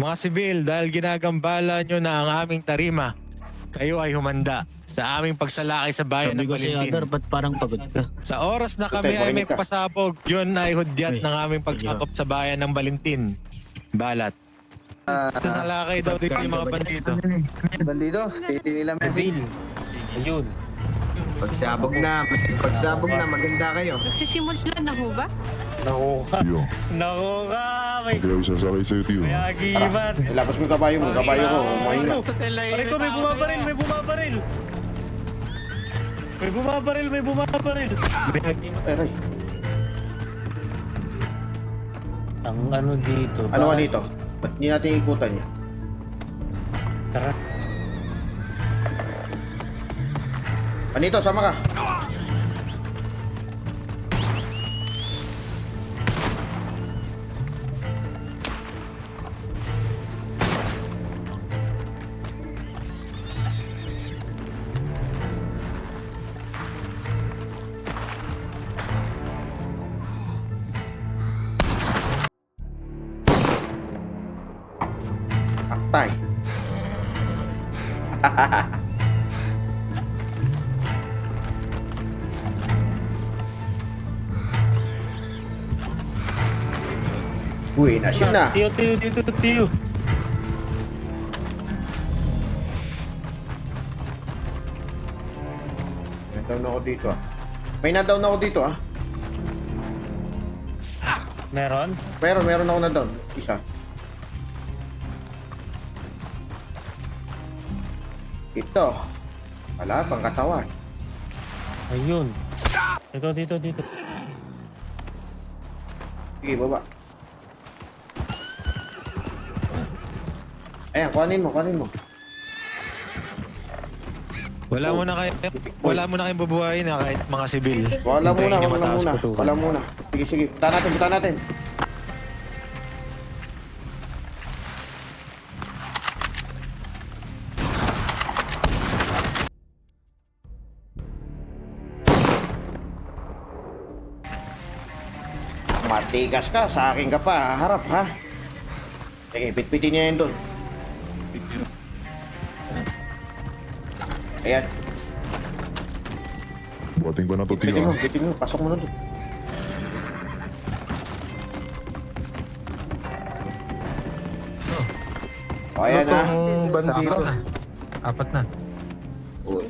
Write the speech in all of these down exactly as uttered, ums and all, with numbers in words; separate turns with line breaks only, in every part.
Mga sibil, dahil ginagambala nyo na ang aming tarima, kayo ay humanda sa aming pagsalakay sa bayan
Sabi
ng
ko si
Valentin.
Adar, ba't parang pagod ka?
Sa oras na kami
Tutay,
ay may
makinig ka.
pasabog, yun ay hudyat
Uy,
ng aming pagsakop sa bayan ng Valentin. Balat. Sasalakay daw dito yung mga bandito.
Bandido, titi nila Messi.
Bill. Ayun.
Pagsabog na, pagsabog na, maganda kayo.
Nagsisimula na ho ba?
Naku ka.
Tiyo,
Naku ka. May
hindi ako sasakay sa'yo, Tiyo.
may agimat.
Ilabas mo yung kabayo mo, kabayo ko. Mahina.
Pare ko, may bumabaril, may bumabaril. May bumabaril, may bumabaril.
Aray.
Ang ano dito.
Ano ka dito? Ba't hindi natin ikutan niya?
Tara.
Panito, sama ka. Aktay. Uy, nasyon na.
Tiyo, tiyo, tiyo, tiyo, tiyo.
May down ako dito ah. May na-down ako dito ah.
Meron?
Meron, meron ako na-down. Isa. Ito. Wala, pang katawan.
Ayun. Dito, dito, dito.
Sige, baba. Ayan, kuhanin mo, kuhanin mo.
Wala mo na kayo, wala mo na kayong bubuhayin na kahit mga sibil.
Wala
Hintayin
muna,
nyo
wala
mataas
muna.
putukan.
Wala muna. Sige, sige. Buta natin, buta natin. Matigas ka, sa akin ka pa, harap ha. Sige, pitpitin niya yun doon. Ayan,
Buhatin ko na to, Tiyo.
pitpitin mo,
ah.
pitpitin mo, pasok mo na doon. O, ayan ha.
Bandito.
Apat na.
Uy.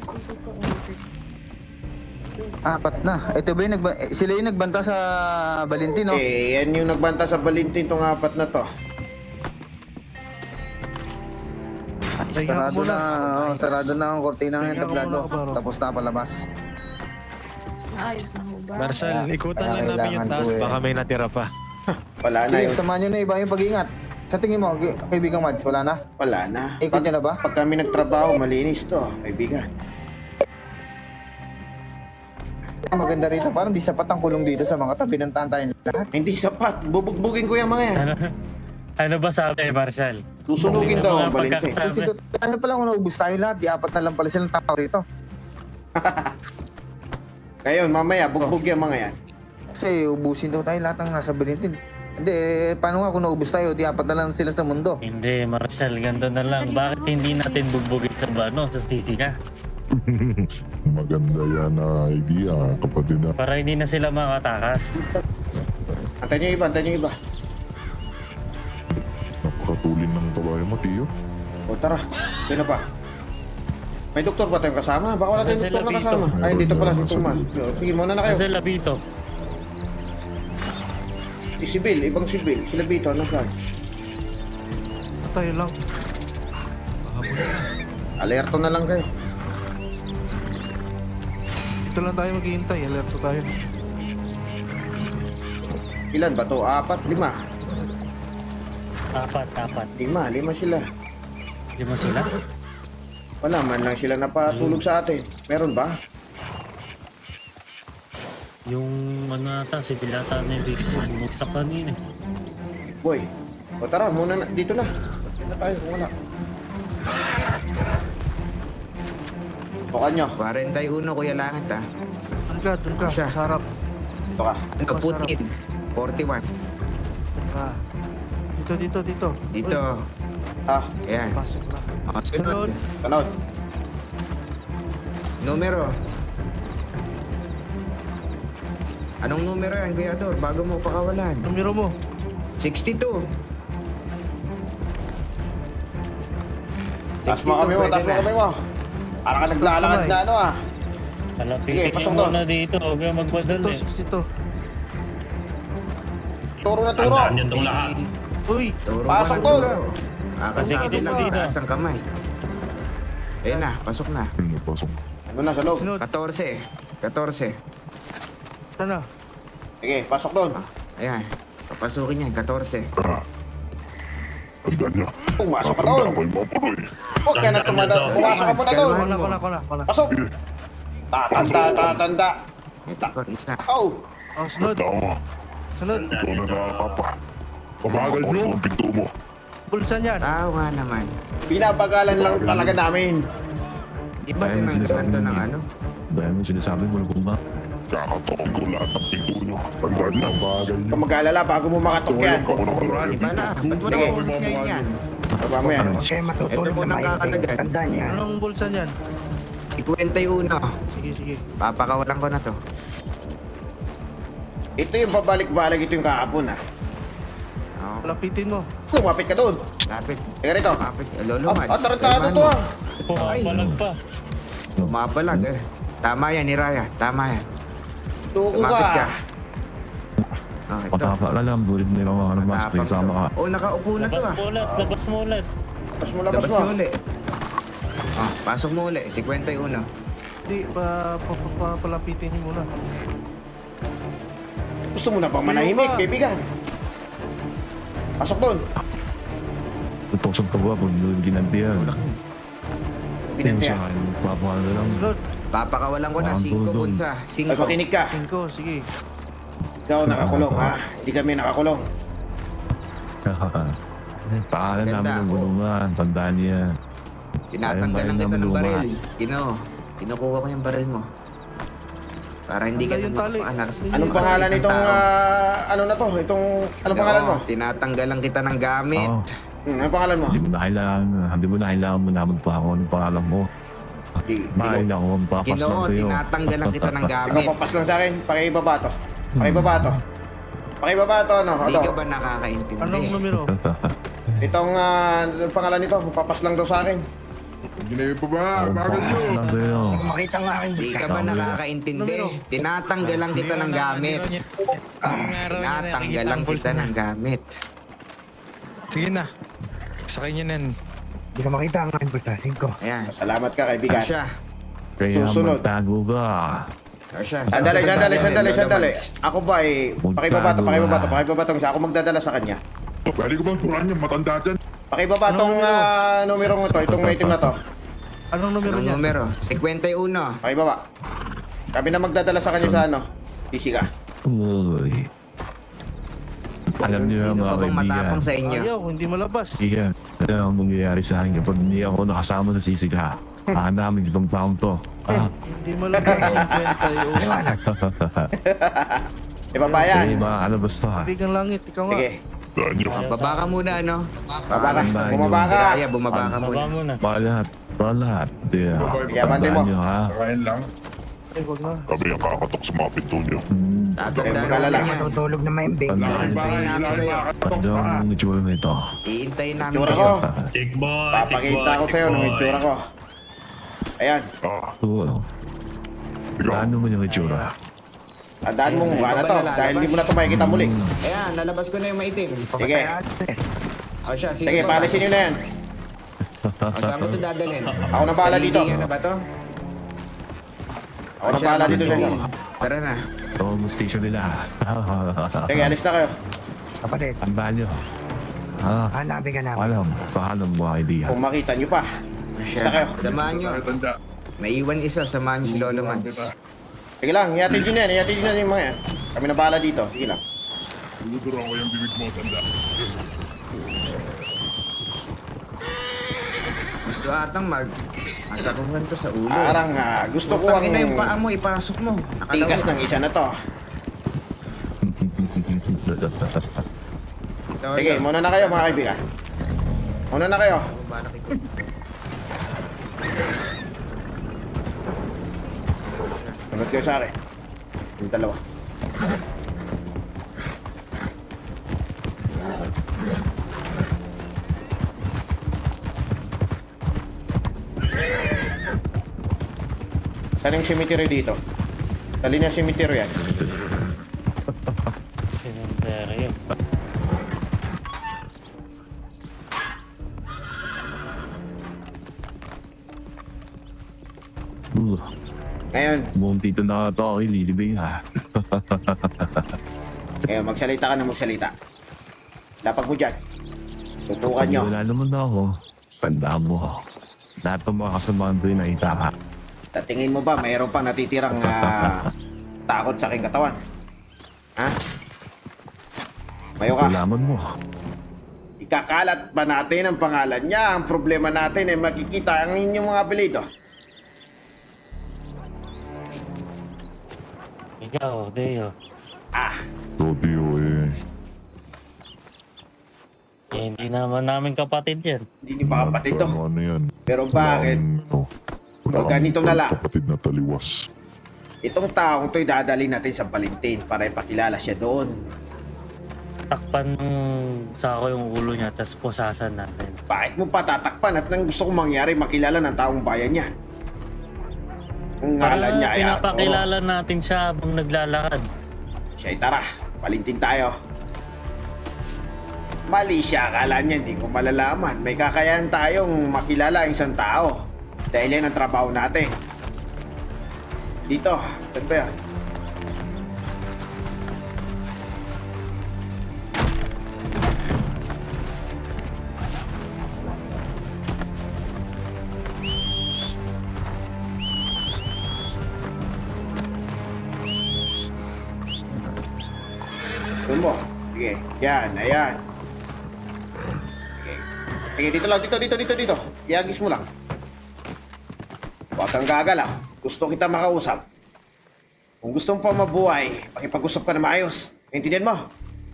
Apat na. Ito ba yung nagba- eh, sila yung nagbanta sa Valentino?
Eh, yan yung nagbanta sa Valentin tong apat na to.
Sarado na, oh, sarado na ang kortina ng tablado. Tapos na palabas.
Ayos na ho ba?
Marshal, ikutan lang
Kaya
namin yung
kailangan
taas,
ko eh.
baka may natira pa.
Wala na
Sige,
yun.
samahan nyo na iba yung pag-iingat. Sa tingin mo, ki- kaibigang Mads, wala na?
Wala na.
Ikot nyo na ba?
Pag kami nagtrabaho, malinis to, kaibigan.
Maganda rito, parang di sapat ang kulong dito sa mga tabi ng tantayin lahat.
Hindi sapat. Bubugbugin ko yung mga yan.
Ano, ano ba sabi, Marshal?
Susunugin daw ang
Mga
Valentin.
pagkakasama.
Kasi to- ano pala kung naubos tayo lahat, di apat na lang pala silang tao rito.
Ngayon, mamaya, bugbog yung mga yan.
Kasi ubusin daw tayo lahat ng nasa Valentin. Hindi, eh, paano nga kung naubos tayo, di apat na lang sila sa mundo.
Hindi, Marshal, ganito na lang. Bakit hindi natin bugbugin sa ano, sa T C ka?
Maganda yan na idea, kapatid. ah.
Para hindi na sila makatakas.
Antay niyo iba, antay niyo iba.
Napakatulin ng kabayo mo, Tiyo.
O tara, ito na pa. May doktor ba tayong kasama? Baka wala tayong
Nasa
doktor na
labito.
kasama. Ay, dito pala si
Nasa
Tomas. Sige, muna na kayo.
Kasi labito.
Si Sibil, ibang Sibil. Si Labito, ano saan?
Tayo lang.
Alerto na lang kayo.
Ito lang tayo maghihintay, alerto tayo.
Ilan ba to? Apat, lima.
Apat, apat.
Lima, lima sila.
Di mo sila?
Wala man lang sila napatulog sa atin. Meron ba?
Yung ano ata, si Pilata ni Rico, bumagsak kanina.
Boy, o tara, muna na, dito na. Dito na tayo, kung wala. Bukan nyo.
forty-one, Kuya Langit ah.
Doon ka, doon ka,
Siya.
sa harap.
Ito ka.
Ano, Putin? forty-one.
Doon ka. Dito
Dito, dito, dito.
Dito.
Ah,
Ayan.
Pasok na.
O, sunod.
sunod.
Numero. Anong numero yan, Kuya Dor? Bago mo pakawalan.
Numero mo.
sixty-two.
Taas mo kami mo, taas mo kami mo. Para ka naglalakad na ano ah.
Alapitin
Sige, pasok
yung
doon.
muna dito. Huwag kayong magpadali.
sixty-two, sixty-two.
Turo na turo.
Uy!
Turo
Pasok
ka
doon.
na, Dor. Kakasabi
Sige,
lang,
dito.
taas ang kamay. Ayan na, pasok na.
Ano, pasok.
Ano na sa loob?
Sunod.
fourteen. fourteen.
Sana.
Sige, pasok doon.
Ayan. Papasukin yan, fourteen.
Ah. Tanda niya.
Pumasok ka
Tanda
doon.
ko yung mga punoy.
Huwag ka na tumanda. Pumasok ka muna doon.
Kona, kona, kona, kona.
Pasok. Tatanda, tatanda.
Ito ko, isa.
Oh,
Oh, sunod.
Tanda mo.
Sunod.
Ikaw na nakakapa. Pamagal niyo ang pinto mo.
Bulsan yan.
Tao nga naman.
pinapagalan lang talaga namin.
Di ba tinanggalan to ng ano?
Dahil mo sinasabi mo na kung ba?
Kakatokon ko lahat ng pinto niyo. Tanda niya. Pamagal niyo.
Kung mag-alala bago mo makatok yan.
Ako na marami.
Di ba na? Ba't mo
Sige.
na kumusyain yan?
Baba mo yan.
Ito po nang kakalagan.
Anong bulsan yan?
twenty-one.
Sige, sige.
Papakawalan ko na to.
Ito yung pabalik-balik, ito yung kahapon ah.
Oh,
Lapitin mo.
Lumapit ka doon.
lapit.
Teka rito.
Lapit. Lolo,
Oh,
Mads.
oh, tarantado to ah.
Pumapalag pa.
Mapalag eh. Tama yan ni Raya. Tama yan.
Tuko
Lumapit ka.
ka.
Oh, ito.
Patapa ka lang, bulit mo yung mga mas
Matapang
sama
to.
ka.
Oh, nakaupo na to
Labas
ah.
mo ulit. Labas mo ulit.
Labas mo, labas
Labas
mo.
mo ulit. Oh, pasok mo ulit. fifty-one.
Hindi, pa, pa, pa, pa, palapitin mo muna.
Gusto mo na bang manahimik,
Ayun ka.
kaibigan? Pasok doon.
Tutusok ka ba kung doon ginantihan? Yung
Ginantihan.
sa akin, papakal ka lang.
Sunod.
Papakawalan ko na.
Ang
Cinco
dudong.
punsa.
Ay,
Cinco.
makinig ka.
Cinco, sige.
Ikaw nakakulong ha. Hindi kami nakakulong.
Paalan
Ganda,
namin ng
oh.
bulungan, tandaan niya.
Tinatanggalan
Ayun,
kita ng
ayun,
baril. Kino. Kinukuha ko yung baril mo. Para hindi ka
Hanggang yung tali.
mapaanak.
Anong pangalan nitong, ah, ano na to? Itong, anong pangalan mo?
Tinatanggalan kita ng gamit.
Oo.
Hmm, anong pangalan mo?
Hindi mo na kailangan, hindi mo na kailangan mo naman pa ako ng pangalan mo.
Di, di ko.
Mahal ako ang papas lang
Ginoo,
sa'yo.
tinatanggalan kita ng
Ikaw
gamit.
papas lang sa akin. Pakibaba to. Pakibaba to. Pakibaba to, ano?
Hindi
Ito.
ka ba nakakaintindi?
Anong numero?
Itong, ah, anong pangalan nito? Papas lang daw sa akin.
Ginayo pa ba?
Ang
Bagal niyo.
papas lang sa'yo.
Hindi ka ba nakakaintindi? Tinatanggalan kita ng gamit. Tinatanggalan kita ng gamit.
Sige na. Sa kanya nan.
Hindi ka makita ang aking pulsasing ko.
Ayan.
Salamat ka, kaibigan.
Asya.
Kaya
Susunod.
magtago ka.
Asya.
Sandali, sandali, sandali, sandali. Ako ba eh, pakibaba to,
Magtago
pakibaba to,
ka.
pakibaba to. Ako magdadala sa kanya.
Pwede ko bang turan niya? Matanda dyan.
Pakibaba tong ah, numero mo to, itong may itim na to.
Anong numero
Anong
niya?
numero? fifty-one.
Pakibaba. Kami na magdadala sa kanya sa ano. Easy ka.
Uy. Alam niyo
Sino
mga
pa bang
kaibigan.
matapang sa inyo?
Ayaw, hindi malabas.
Iyan, ano ang mangyayari sa akin kapag hindi ako nakasama sa sisiga? Hanapin itong taong to. Ah,
Hindi malabas yung twenty-one.
Ibaba
kaya
yan.
makakalabas to ha.
Bigang langit, ikaw nga.
Sige.
Tandaan niyo.
Baba ka muna, ano?
Baba ka.
Tandaan
Bumaba
nyo.
ka.
Raya, bumaba ka
Baba
muna.
muna.
Balat, balat. Di,
Sige, abante mo.
tandaan nyo ha.
Kakain lang.
Ay, wag na.
Kami ang kakatok sa mga pinto niyo.
Hmm,
Tatandaan
mag-alala.
namin yan.
Matutulog na maimbing.
tandaan nyo.
Hintayin namin kayo.
Tandaan mo yung itsura nito.
Iintayin namin
Itsura
kayo.
ko.
Tick boy.
Papakita ko sa'yo ng itsura ko. Ayan.
Ah,
Oo.
ikaw.
Ano mo yung itsura?
Tandaan mo mukha na to. Dahil hindi mo na ito makikita muli.
Ayan, lalabas ko na yung maitim.
Sige.
O siya, sino
Sige,
ba?
palisin nyo na yan.
O, saan mo ito dadalhin?
Ako na bahala dito.
Palilingin na ba to?
Ako na bahala dito sa inyo.
Tara na.
Ito ang station nila.
Sige, alis na kayo.
Kapatid,
Tandaan nyo. Ah,
hanapin ka namin.
alam, paano mo mga kaibigan?
Kung makita nyo pa.
O
Basta kayo.
siya, samahan nyo.
Tanda.
Naiwan isa, samahan nyo si Lolo Mads.
Sige lang, ihatid nyo na yan. Ihatid nyo na yung mga yan. Kami na bahala dito. Sige lang.
Duduruan ko yung bibig mo, tanda.
Gusto atang mag... Masakuhan to sa ulo.
Parang ah, gusto ko ang
Putangin na yung paa mo, ipasok mo.
tigas
Nakalawa.
ng isa na to. Sige, muna na kayo mga kaibigan. Muna na kayo. Sunod kayo sa akin. Yung dalawa. Saan yung cemetery dito? Dali na cemetery yan.
Cemetery yun.
Uh,
Ngayon,
buong dito na ito ako ililibing ha.
ngayon magsalita ka na magsalita. Lapag mo dyan. Tutukan nyo.
Wala naman na ako. Tandaan mo. Lahat ng mga kasamahan ko yung nakita ka.
Sa tingin mo ba mayroon pa natitirang ah, takot sa aking katawan? Ha? Mayo ka.
Kailangan mo.
Ikakalat pa natin ang pangalan niya. Ang problema natin ay makikita ang inyong mga apelido.
Ikaw, Deo.
Ah,
So, Dio, eh,
Eh, hindi naman namin kapatid yan.
hindi niyo pa kapatid to.
ano, ano yan?
Pero bakit?
Ano,
O, ganito na lang.
Kapatid na taliwas.
Itong taong to'y dadali natin sa Valentin para ipakilala siya doon.
Takpan ng sako yung ulo niya, tapos pusasan natin.
Bakit mo pa tatakpan at nang gusto kong mangyari makilala ng taong bayan niya? Ang ngalan niya ay Arturo.
pinapakilala natin siya habang naglalakad.
Siya'y tara, Valentin tayo. Mali siya, akala niya hindi ko malalaman. May kakayahan tayong makilala ang isang tao. Dahil yan ang trabaho natin. Dito, saan ba yan? Doon mo. Sige, yan, ayan. Sige. Sige, dito lang, dito, dito, dito, dito. Iagis mo lang. Huwag kang gagalaw. Gusto kita makausap. Kung gusto mo pa mabuhay, pakipag-usap ka na maayos. Naintindihan mo?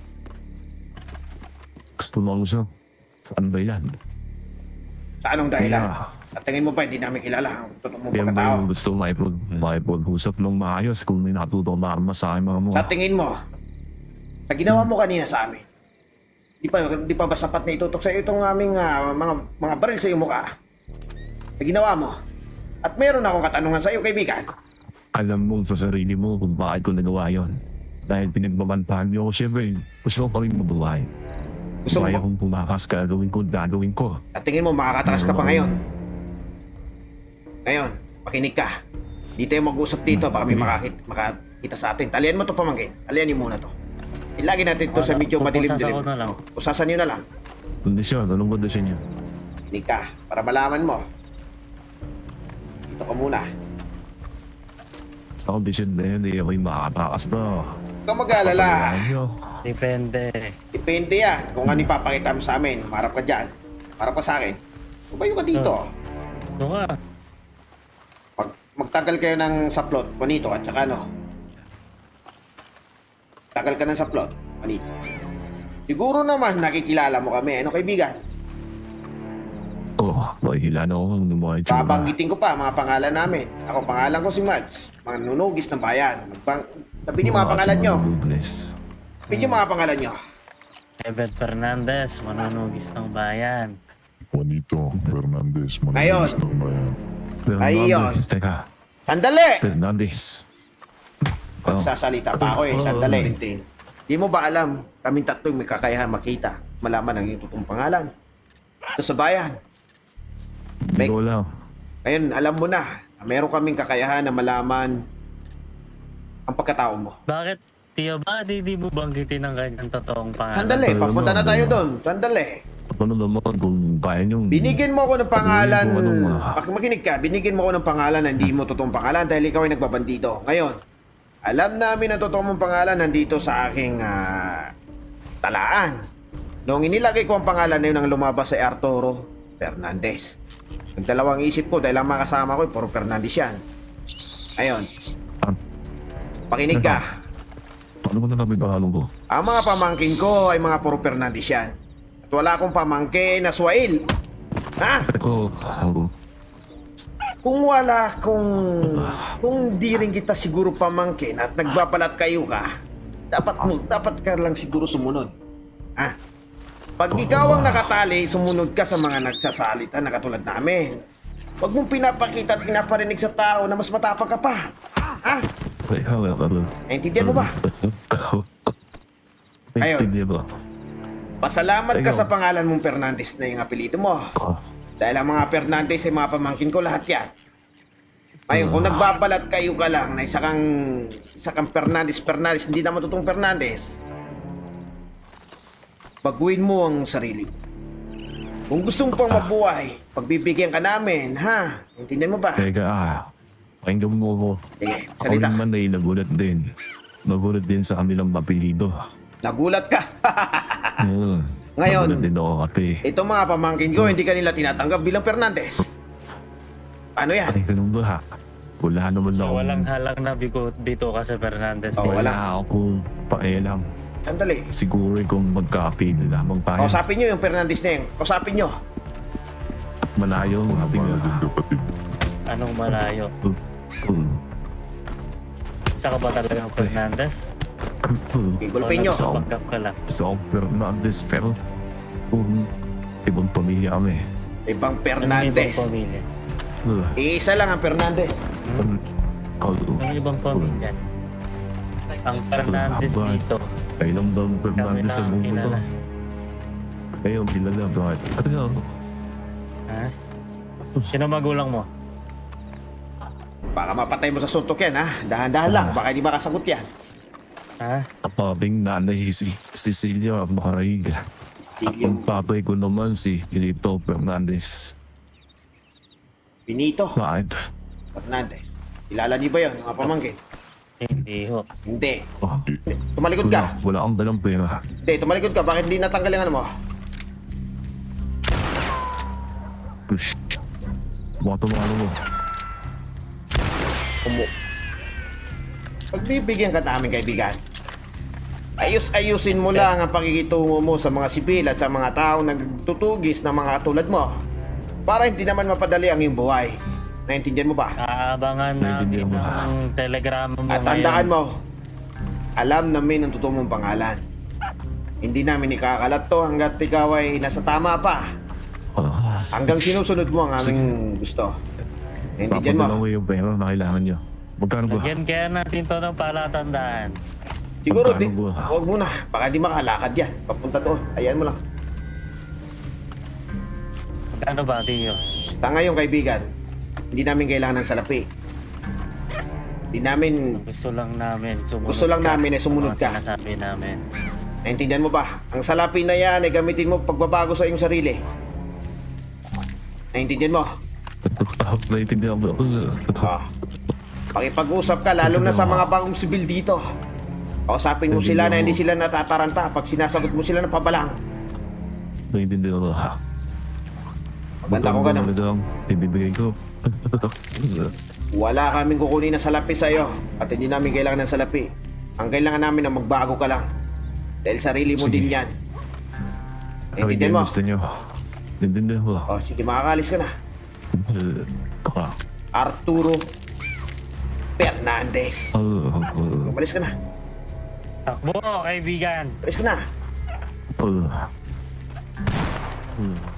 Gusto mo siya. Saan ba yan?
Sa anong dahilan?
Yeah.
At tingin mo pa, hindi namin kilala ang totoo mong
Yan ba
pagkatao.
yung gusto makipag, makipag-usap ng maayos kung may natutong marma sa aking mga mga?
Sa tingin mo, sa ginawa mo kanina sa amin, di pa, di pa ba sapat na itutok sa iyo itong aming ah, mga, mga baril sa iyong mukha? Sa ginawa mo. At meron akong katanungan sa iyo, kaibigan.
Alam mo sa sarili mo kung bakit ko nagawa yon. Dahil pinagmamantahan niyo ako, syempre, gusto ko pa rin mabuhay.
Gusto mo
Kaya
ba?
kung pumakas ka, gawin ko, gagawin ko.
At tingin mo, makakatras ka pa ngayon. Ngayon, makinig ka. Di tayo mag-usap dito, baka may makakit, makakita sa atin. Talian mo to pamangkin. Talian niyo muna to. Ilagay natin to sa medyo madilim-dilim.
Pupusasan ko na lang.
Usasan niyo na lang.
Kondisyon, anong kondisyon yun?
Makinig ka, para malaman mo. Dito ka muna.
Sa kondisyon na yun, hindi ako yung makakapakas ba?
Huwag kang mag-aalala.
Nyo.
Depende.
Depende yan kung ano ipapakita mo sa amin. Marap ka dyan. Marap ka sa akin. Tumayo ka dito.
Doon ka.
Pag magtagal kayo ng saplot, bonito, at saka ano. Tagal ka ng saplot, bonito. Siguro naman nakikilala mo kami. Ano kaibigan?
Oh, mahihila na ako ng mga itsura.
Babanggitin ko pa mga pangalan namin. Ako, pangalan ko si Mads. Mga nunugis ng bayan. Magbang... Sabihin niyo mga pangalan nyo. Sabihin niyo mga pangalan nyo.
Ebet Fernandez, manunugis ng bayan.
Juanito Fernandez,
Ngayon.
managis ng bayan.
Ayun.
Fernandez, teka.
Sandali!
Fernandez. Oh,
Sasalita pa ako eh. Sandali. Di mo ba alam, kaming tatlo may kakayahan makita, malaman ang iyong totoong pangalan. Ito sa bayan.
hindi ko lang.
Ngayon, alam mo na, na meron kaming kakayahan na malaman ang pagkatao mo.
Bakit, Tio ba, di, di mo banggitin ang kanyang totoong pangalan?
Sandali, papunta na tayo doon. Sandali.
Ano naman kung kaya nyo?
Binigyan mo ako ng pangalan,
Sabihin ko anong, ah,
Mak- makinig ka, binigyan mo ako ng pangalan na hindi mo totoong pangalan dahil ikaw ay nagbabandito. Ngayon, alam namin na totoo mong pangalan nandito sa aking ah, talaan. Noong inilagay ko ang pangalan na yun ang lumabas sa Arturo Fernandez. Nagdalawang isip ko dahil ang mga kasama ko ay puro Fernandez yan. Ngayon,
Ah,
pakinig ka.
Paano ko na namin bahalong ko?
Ang mga pamangkin ko ay mga puro Fernandez yan. At wala akong pamangkin na Suail. Ha?
Ako, ako,
Kung wala, kung... Kung di rin kita siguro pamangkin at nagbabalat kayo ka, dapat mo, dapat ka lang siguro sumunod. Ha? Pag ikaw ang nakatali, sumunod ka sa mga nagsasalita na katulad namin. Huwag mong pinapakita at pinaparinig sa tao na mas matapang ka pa. Ha?
ay, hala, hala.
Naintindihan mo ba? Ayun.
Naintindihan mo.
Pasalamat ka
Ayun.
sa pangalan mong Fernandez na yung apelido mo.
Ah,
Dahil ang mga Fernandez ay mga pamangkin ko lahat yan. Ngayon, kung nagbabalat kayo ka lang na isa kang, isa kang Fernandez, Fernandez, hindi naman totoong Fernandez, baguhin mo ang sarili mo. Kung gusto mo pang mabuhay, pagbibigyan ka namin, ha? Intindihan mo ba?
Teka, ah. Pakinggan mo ako.
Sige,
Ako
salita.
naman ay nagulat din. Nagulat din sa kanilang apelido.
Nagulat ka.
Hmm.
Ngayon-
Nagulat din ako kasi.
Itong mga pamangkin ko, hindi kanila tinatanggap bilang Fernandez. Ano yan?
Ay, ganun ba? Wala naman
So,
ako.
walang halang na bigo dito ka sa Fernandez.
Oh,
Wala
wala.
ako pakialam.
Sandali.
Siguro kung magka-apelido lamang tayo.
Kausapin nyo yung Fernandez na yun. Kausapin nyo.
Malayo, sabi nga.
Mga kapatid.
Anong malayo?
Hmm.
Isa ka ba talagang Fernandez?
Igulpin nyo.
So,
Pagkap ka lang.
so Fernandez, pero um, ibang pamilya kami.
Ibang
Ano yung
Fernandez.
ibang pamilya?
Uh,
Iisa lang ang Fernandez.
um, Kalo,
Ano yung ibang pamilya? Ang Fernandez
Haba.
dito.
ay lang daw
Kami
Fernandez sa
lang
mundo.
kilala.
Kayo, kilala, bakit? Ano yan?
Ha? Sino magulang mo?
Baka mapatay mo sa suntok yan, ha? Dahan-dahan lang. Baka hindi makasagot yan.
Ha?
Kapabing nanay si Cecilia Macarig.
Silyo.
Ang papay ko naman si Benito Fernandez.
Benito
Bakit?
Fernandez. Kilala niyo ba yun, mga pamangkin?
Hindi ho.
Hindi.
Oh,
Tumalikod
wala,
ka.
wala akong dalang pera.
Hindi, tumalikod ka. Bakit hindi natanggal yung ano mo?
Push. Mga tumalo mo.
Umu. Pagbibigyan ka namin, kaibigan. Ayus-ayusin mo lang ang pakikitungo mo sa mga sibil at sa mga taong nagtutugis ng mga katulad mo. Para hindi naman mapadali ang iyong buhay. Naintindihan mo ba?
Aabangan
Naiintindihan
namin
mo.
ang telegrama mo
At
ngayon.
tandaan mo, alam namin ang totoo mong pangalan. Hindi namin ikakalat to hanggat ikaw ay nasa tama pa.
Ah,
Hanggang sinusunod mo ang aming gusto. Naintindihan
papadala
mo?
mo yung pera na kailangan nyo. Magkano ba?
Lagyan kaya natin to ng palatandaan.
Siguro, di,
Magkano ba?
huwag muna. Baka di makalakad yan. Papunta to. Ayan mo lang.
Magkano ba, Tiyo?
Ta ngayon, kaibigan, hindi namin kailangan ng salapi. Hindi namin...
Gusto lang namin sumunod
Gusto lang
ka
namin ay sumunod
sa mga
ka.
sinasabi namin.
Naintindihan mo ba? Ang salapi na yan ay gamitin mo pagbabago sa iyong sarili. Naintindihan mo?
Ah, naiintindihan mo.
Ah. Pakipag-usap ka, lalo na sa mga bagong sibil dito. Kausapin mo sila na hindi sila natataranta pag sinasagot mo sila ng pabalang.
Naiintindihan mo.
Maganda ko ganun.
Magkano lang ibibigay ko.
Wala kaming kukunin na salapi sa'yo at hindi namin kailangan ng salapi. Ang kailangan namin na magbago ka lang. Dahil sarili mo
Sige.
din yan.
Ano
Naintindihan mo?
gusto nyo? Naiintindihan mo.
O, sige, makakalis ka na.
Uh, Ka.
Arturo Fernandez.
Uh, uh,
Umalis ka na.
Takbo, kaibigan!
Umalis ka na.
uh, uh.